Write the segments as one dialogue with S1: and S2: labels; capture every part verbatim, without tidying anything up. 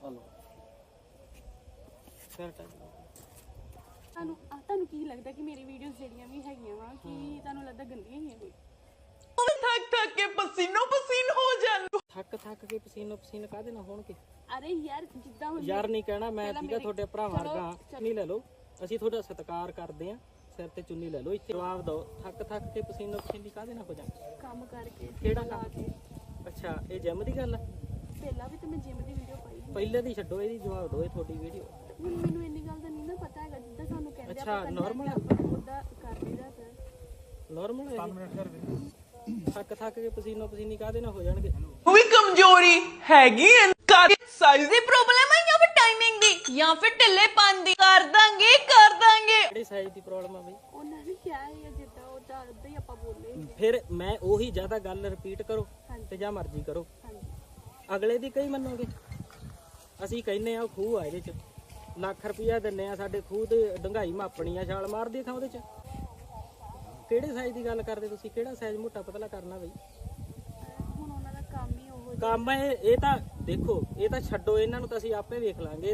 S1: ਫਿਰ
S2: ਤੁਹਾਨੂੰ ਤੁਹਾਨੂੰ ਕੀ ਲੱਗਦਾ ਕਿ ਮੇਰੀ ਵੀਡੀਓਜ਼ ਜਿਹੜੀਆਂ ਵੀ ਹੈਗੀਆਂ ਵਾ ਕਿ ਤੁਹਾਨੂੰ ਲੱਗਦਾ ਗੰਦੀਆਂ ਹੀ ਆ ਕੋਈ?
S3: ਥੱਕ ਥੱਕ ਕੇ ਪਸੀਨੋ ਪਸੀਨ ਹੋ ਜਾਂਦੇ।
S1: ਥੱਕ ਥੱਕ ਕੇ ਪਸੀਨੋ ਪਸੀਨ ਕਾਹਦੇ ਨਾਲ ਹੋਣਗੇ?
S2: ਅਰੇ ਯਾਰ ਜਿੱਦਾਂ ਹੁਣ
S1: ਯਾਰ ਨਹੀਂ ਕਹਿਣਾ ਮੈਂ ਠੀਕਾ ਤੁਹਾਡੇ ਭਰਾਵਾਂ ਵਰਗਾ ਨਹੀਂ ਲੈ ਲਓ ਅਸੀਂ ਤੁਹਾਡਾ ਸਤਿਕਾਰ ਕਰਦੇ ਆ ਸਿਰ ਤੇ ਚੁੰਨੀ ਲੈ ਲਓ ਇੱਥੇ ਜਵਾਬ ਦਿਓ ਥੱਕ ਥੱਕ ਕੇ ਪਸੀਨੋ ਪਸੀਨੀ ਕਾਹਦੇ ਨਾਲ ਹੋ ਜਾਂਦੇ?
S2: ਕੰਮ ਕਰਕੇ
S1: ਕਿਹੜਾ ਕੰਮ? ਅੱਛਾ ਇਹ ਜਿਮ ਦੀ ਗੱਲ ਆ?
S2: ਪਹਿਲਾਂ ਵੀ ਤਾਂ ਮੈਂ ਜਿਮ ਦੀ ਵੀਡੀਓ ਪਾਈ ਸੀ।
S1: ਪਹਿਲੇ ਦੀ ਛੱਡੋ ਇਹਦੀ ਜਵਾਬ ਦਿਓ ਇਹ ਤੁਹਾਡੀ ਵੀਡੀਓ।
S2: ਹੁਣ ਮੈਨੂੰ ਇੰਨੀ ਗੱਲ ਦਾ ਨਹੀਂ ਨਾ ਪਤਾ ਹੈਗਾ ਜਿੱਦਾਂ ਸਾਨੂੰ ਕਹਿੰਦੇ
S1: ਅੱਛਾ ਨਾਰਮਲ
S2: ਉਹਦਾ ਕਰ ਲਈਦਾ ਸਰ।
S1: ਨਾਰਮਲ ਹੈ ਥੱਕ ਥੱਕ ਕੇ ਪਸੀਨੋ ਪਸੀਨੀ ਕਾਹਦੇ ਨਾਲ ਹੋ ਜਾਣਗੇ?
S3: ਉਹ ਵੀ ਕਮਜ਼ੋਰੀ ਹੈਗੀ ਐ ਸਾਈਜ਼ ਦੀ ਪ੍ਰੋਬਲਮ ਹੈ ਜਾਂ ਫਿਰ ਟਾਈਮਿੰਗ ਦੀ ਜਾਂ ਫਿਰ ਢਿੱਲੇ ਪਨ ਦੀ? ਕਰ ਦਾਂਗੇ ਕਰ ਦਾਂਗੇ।
S1: ਕਿਹੜੀ ਸਾਈਜ਼ ਦੀ ਪ੍ਰੋਬਲਮ ਆ ਬਈ?
S2: ਉਹਨਾਂ ਨੇ ਕਿਹਾ ਹੈ ਜਿੱਦਾਂ ਉਹ ਤਾਂ ਉਦਾਂ ਹੀ ਆਪਾਂ ਬੋਲੇ।
S1: ਫਿਰ ਮੈਂ ਉਹੀ ਜ਼ਿਆਦਾ ਗੱਲ ਰਿਪੀਟ ਕਰੋ ਤੇ ਜਾਂ ਮਰਜ਼ੀ ਕਰੋ ਅਗਲੇ ਦੀ ਕਈ ਮੰਨੋਗੇ? ਅਸੀਂ ਕਹਿੰਨੇ ਆ ਉਹ ਖੂਹ ਆ ਇਹਦੇ ਚ ਲੱਖ ਰੁਪਇਆ ਦਿੰਨੇ ਆ ਸਾਡੇ ਖੂਹ ਤੇ ਡੰਗਾਈ ਮਾਪਣੀ ਆ ਛਾਲ ਮਾਰਦੀ ਥਾਂ ਉਹਦੇ ਚ। ਕਿਹੜੇ ਸਾਈਜ਼ ਦੀ ਗੱਲ ਕਰਦੇ ਤੁਸੀਂ? ਕਿਹੜਾ ਸਾਈਜ਼ ਮੋਟਾ ਪਤਲਾ ਕਰਨਾ ਬਈ?
S2: ਹੁਣ ਉਹਨਾਂ ਦਾ ਕੰਮ ਹੀ ਉਹ
S1: ਕੰਮ ਇਹ ਇਹ ਤਾਂ ਦੇਖੋ ਇਹ ਤਾਂ ਛੱਡੋ ਇਹਨਾਂ ਨੂੰ ਤਾਂ ਅਸੀਂ ਆਪੇ ਵੇਖ ਲਾਂਗੇ।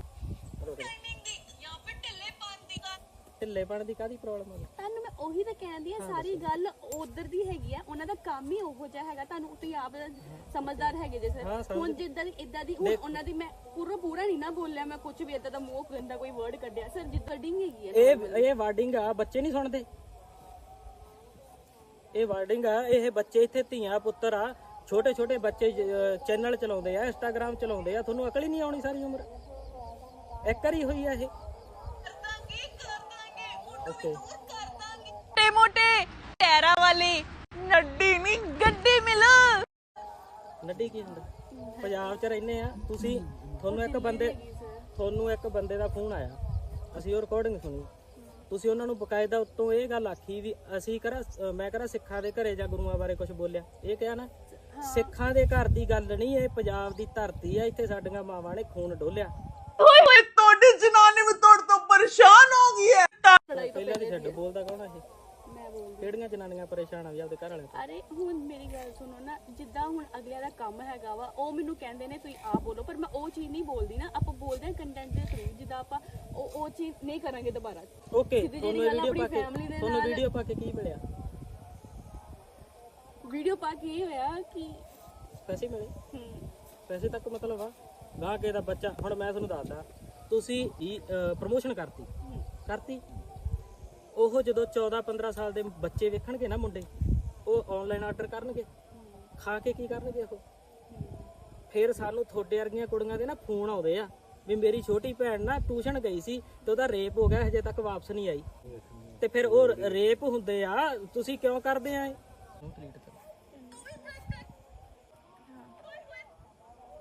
S1: ਢਿੱਲੇਪਣ ਦੀ ਕਾਹਦੀ ਪ੍ਰੋਬਲਮ ਆ?
S2: ਤੁਹਾਨੂੰ ਮੈਂ ਉਹੀ ਤਾਂ ਕਹਿੰਦੀ ਆ ਸਾਰੀ ਗੱਲ ਉਧਰ ਦੀ ਹੈਗੀ ਆ ਉਹਨਾਂ ਦਾ ਕੰਮ ਹੀ ਉਹੋ ਜਿਹਾ ਹੈਗਾ। ਤੁਹਾਨੂੰ ਤੁਸੀਂ ਆਪ ਸਮਝਦਾਰ ਹੈਗੇ ਜੇ ਸਰ। ਹੁਣ ਜਿੱਦਾਂ ਦੀ ਇਦਾਂ ਦੀ ਹੁਣ ਉਹਨਾਂ ਦੀ ਮੈਂ ਪੂਰਾ ਪੂਰਾ ਨਹੀਂ ਨਾ ਬੋਲਿਆ ਮੈਂ ਕੁਝ ਵੀ ਇਦਾਂ ਦਾ ਮੂੰਹ ਗੰਦਾ ਕੋਈ ਵਰਡ ਕੱਢਿਆ ਸਰ ਜਿੱਦਾਂ ਡਿੰਗ ਹੈਗੀ ਆ
S1: ਇਹ ਇਹ ਵਾਰਡਿੰਗ ਆ ਬੱਚੇ ਨਹੀਂ ਸੁਣਦੇ। ਇਹ ਵਾਰਡਿੰਗ ਆ ਇਹ ਬੱਚੇ ਇੱਥੇ ਧੀਆਂ ਪੁੱਤਰ ਆ ਛੋਟੇ ਛੋਟੇ ਬੱਚੇ ਚੈਨਲ ਚਲਾਉਂਦੇ ਆ ਇੰਸਟਾਗ੍ਰਾਮ ਚਲਾਉਂਦੇ ਆ ਤੁਹਾਨੂੰ ਅਕਲ ਹੀ ਨਹੀਂ ਆਉਣੀ ਸਾਰੀ ਉਮਰ ਇੱਕ ਵਾਰੀ ਹੋਈ ਆ ਇਹ। ਓਕੇ
S3: ਮੋਟੇ ਮੋਟੇ ਟੈਰਾ ਵਾਲੀ ਨੱਡੀ ਨਹੀਂ ਗੱਡੀ ਮਿਲ।
S1: ਨੱਡੀ ਕੀ ਹੁੰਦਾ? ਪੰਜਾਬ 'ਚ ਰਹਿੰਦੇ ਆ ਤੁਸੀਂ ਤੁਹਾਨੂੰ ਇੱਕ ਬੰਦੇ ਤੁਹਾਨੂੰ ਇੱਕ ਬੰਦੇ ਦਾ ਫੋਨ ਆਇਆ ਅਸੀਂ ਉਹ ਰਿਕਾਰਡਿੰਗ ਸੁਣੀ ਤੁਸੀਂ ਉਹਨਾਂ ਨੂੰ ਬਕਾਇਦਾ ਉੱਤੋਂ ਇਹ ਗੱਲ ਆਖੀ ਵੀ ਅਸੀਂ ਕਰਾ ਮੈਂ ਕਰਾ ਸਿੱਖਾਂ ਦੇ ਘਰੇ ਜਾਂ ਗੁਰੂਆਂ ਬਾਰੇ ਕੁਝ ਬੋਲਿਆ ਇਹ ਕਿਹਾ ਨਾ? ਸਿੱਖਾਂ ਦੇ ਘਰ ਦੀ ਗੱਲ ਨਹੀਂ ਇਹ ਪੰਜਾਬ ਦੀ ਧਰਤੀ ਆ ਇੱਥੇ ਸਾਡੀਆਂ ਮਾਵਾਂ ਨੇ ਖੂਨ ਡੋਲਿਆ।
S3: ਓਏ ਹੋਏ ਤੁਹਾਡੀ ਜਨਾਨੀ ਵੀ ਤੁਹਾਡੇ ਤੋਂ ਪਰੇਸ਼ਾਨ ਹੋ ਗਈ ਹੈ।
S1: ਪਹਿਲਾਂ ਦੀ ਛੱਡ ਬੋਲਦਾ ਕੌਣ ਆ ਇਹ?
S2: ਮੈਂ ਬੋਲਦੀ
S1: ਕਿਹੜੀਆਂ ਜਨਾਨੀਆਂ ਪਰੇਸ਼ਾਨ ਆ ਵੀ ਆਪਦੇ ਘਰ ਵਾਲੇ ਤੋਂ?
S2: ਅਰੇ ਹੁਣ ਮੇਰੀ ਗੱਲ ਸੁਣੋ ਨਾ ਜਿੱਦਾਂ ਹੁਣ ਅਗਲਿਆਂ ਦਾ ਕੰਮ ਹੈਗਾ ਵਾ ਉਹ ਮੈਨੂੰ ਕਹਿੰਦੇ ਨੇ ਤੁਸੀਂ ਆਪ ਬੋਲੋ ਪਰ ਮੈਂ ਉਹ ਚੀਜ਼ ਨਹੀਂ ਬੋਲਦੀ ਨਾ। ਆਪਾਂ ਬੋਲਦੇ ਹਾਂ ਕੰਟੈਂਟ ਦੇ ਥਰੂ ਜਿੱਦਾਂ ਆਪਾਂ ਉਹ ਉਹ ਚੀਜ਼ ਨਹੀਂ ਕਰਾਂਗੇ ਦੁਬਾਰਾ।
S1: ਓਕੇ ਤੁਹਾਨੂੰ ਵੀਡੀਓ ਪਾ ਕੇ ਤੁਹਾਨੂੰ ਵੀਡੀਓ ਪਾ ਕੇ ਕੀ ਮਿਲਿਆ?
S2: ਵੀਡੀਓ ਪਾ ਕੇ ਇਹ ਹੋਇਆ ਕਿ
S1: ਪੈਸੇ ਮਿਲੇ?
S2: ਹੂੰ
S1: ਪੈਸੇ ਤੱਕ ਮਤਲਬ ਆ ਗਾਹ ਕੇ ਦਾ ਬੱਚਾ ਹੁਣ ਮੈਂ ਤੁਹਾਨੂੰ ਦੱਸਦਾ ਤੁਸੀਂ ਪ੍ਰਮੋਸ਼ਨ ਕਰਤੀ ਕਰਤੀ ਉਹ ਜਦੋਂ ਚੌਦਾਂ ਪੰਦਰਾਂ ਸਾਲ ਦੇ ਬੱਚੇ ਵੇਖਣਗੇ ਨਾ ਮੁੰਡੇ ਉਹ ਆਨਲਾਈਨ ਆਰਡਰ ਕਰਨਗੇ ਖਾ ਕੇ ਕੀ ਕਰਨਗੇ ਉਹ? ਫਿਰ ਸਾਨੂੰ ਤੁਹਾਡੇ ਵਰਗੀਆਂ ਕੁੜੀਆਂ ਦੇ ਨਾ ਫੋਨ ਆਉਂਦੇ ਆ ਵੀ ਮੇਰੀ ਛੋਟੀ ਭੈਣ ਨਾ ਟਿਊਸ਼ਨ ਗਈ ਸੀ ਤੇ ਉਹਦਾ ਰੇਪ ਹੋ ਗਿਆ ਹਜੇ ਤੱਕ ਵਾਪਸ ਨਹੀਂ ਆਈ। ਤੇ ਫਿਰ ਉਹ ਰੇਪ ਹੁੰਦੇ ਆ ਤੁਸੀਂ ਕਿਉਂ ਕਰਦੇ ਆ ਇਹ?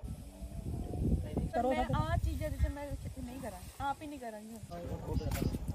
S2: ਮੈਂ ਆ ਚੀਜ਼ਾਂ ਜਿੱਥੇ ਮੈਂ ਨਹੀਂ ਕਰਾਂ ਆਪ ਹੀ ਨਹੀਂ ਕਰਾਂਗੀ।